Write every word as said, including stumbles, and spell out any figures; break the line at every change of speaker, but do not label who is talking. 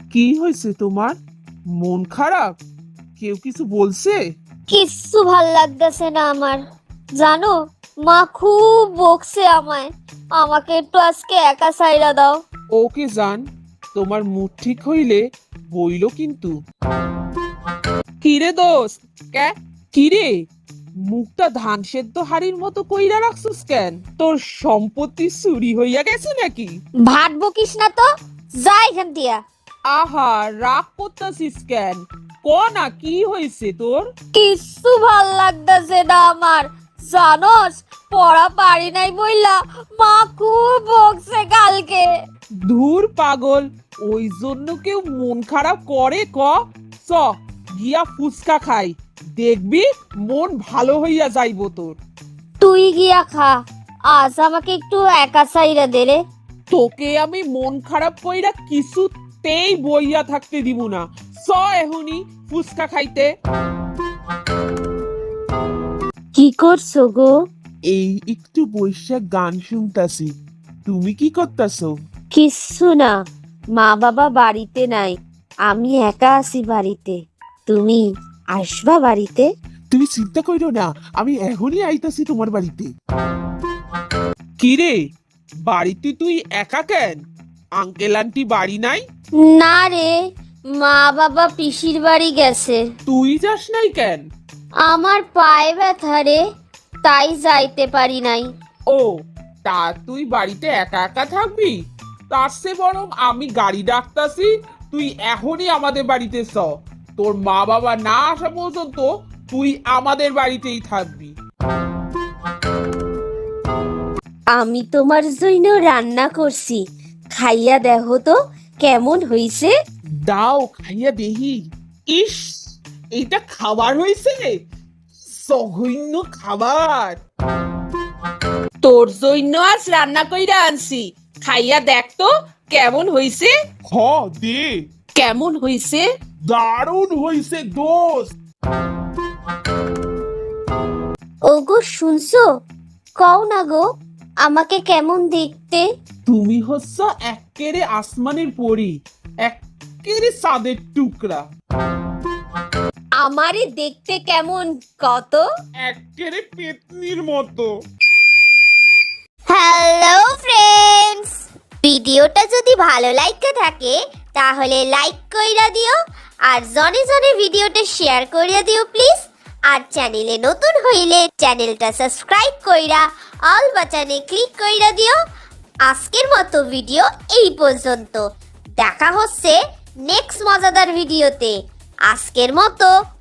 কি হয়েছে তোমার? মন খারাপ? কেউ কিছু বলছে?
কিচ্ছু ভাল লাগতেছে না আমার। জানো, মা খুব বকছে আমায়। আমাকে একটু আজকে একা ছাইড়া দাও।
ওকে জান, তোমার মুড ঠিক হইলে বইলো কিন্তু। কিরে দোস্ত, কে কিরে, মুখটা ধান সেদ্ধ হাড়ির মতো কইরা রাখছিস কেন? তোর সম্পত্তি চুরি হইয়া গেছে নাকি?
ভাট বকিস না তো, যা এখান দিয়া।
আহা, রাগ করতাছিস কেন? ক না, কি হয়েছে তোর?
কিচ্ছু ভাল লাগতেছে না আমার। জানোস, পড়া পারি নাই বইলা মা খুব বকছে কালকে।
ধুর পাগল, ওই জন্য কেউ মন খারাপ করে? ক চ গিয়া ফুচকা খাই, দেখবি মন ভালো হইয়া যাইব তোর।
তুই গিয়া খা, আজ আমাকে একটু একা ছাইড়া দে রে।
তোকে আমি মন খারাপ কইরা কিছুতেই বইয়া থাকতে দিব না। চ এখনই ফুচকা খাইতে।
কি করছো গো?
এই একটু বৈশাখ গান শুনতাছি। তুমি কি করতাছো?
কিচ্ছু না, মা বাবা বাড়িতে নাই, আমি একা আছি বাড়িতে। তুমি আসবা বাড়িতে?
তুমি চিন্তা কইরো না, আমি এখনই আইতাছি তোমার বাড়িতে। কিরে, বাড়িতে তুই একা কেন? আঙ্কেল আন্টি বাড়ি নাই?
না রে, মা বাবা পিসির বাড়ি গেছে।
তুই যাস নাই কেন?
আমার পায়ে ব্যথা রে, তাই যাইতে পারি নাই।
ও, তা তুই বাড়িতে একা একা থাকবি? তার চেয়ে বরং আমি গাড়ি ডাকতাছি, তুই এখনই আমাদের বাড়িতে চ। তোর মা বাবা না আসা পর্যন্ত তুই আমাদের বাড়িতেই থাকবি।
আমি তোমার জন্য রান্না করছি, খাইয়া দেখো তো কেমন হইছে।
দাও খাইয়া দেহি। ইস, এটা খাবার হয়েছে? জঘন্য খাবার।
তোর জন্য আজ রান্না কইরা আনছি, খাইয়া দেখ তো কেমন হইছে।
হ দে।
কেমন হইছে?
দারুণ হইছে দোস্ত।
ওগো শুনছো? কও না গো, আমাকে কেমন দেখতে?
তুমি হচ্ছ এক্কেরে আসমানের পরি, এক্কেরে চাঁদের টুকরা,
আমারে দেখতে কেমন কত?
এক্কেরে পেতনির মতো।
হ্যালো ফ্রেন্ডস, ভিডিওটা যদি ভালো লাগতে থাকে তাহলে লাইক কইরা দিও, আর জনে জনে ভিডিওটা শেয়ার কইরা দিও প্লিজ। আর চ্যানেলে নতুন হইলে চ্যানেলটা সাবস্ক্রাইব কইরা অল বাটনে ক্লিক কইরা দিও। আজকের মতো ভিডিও এই পর্যন্ত, দেখা হচ্ছে নেক্সট মজাদার ভিডিওতে। আজকের মতো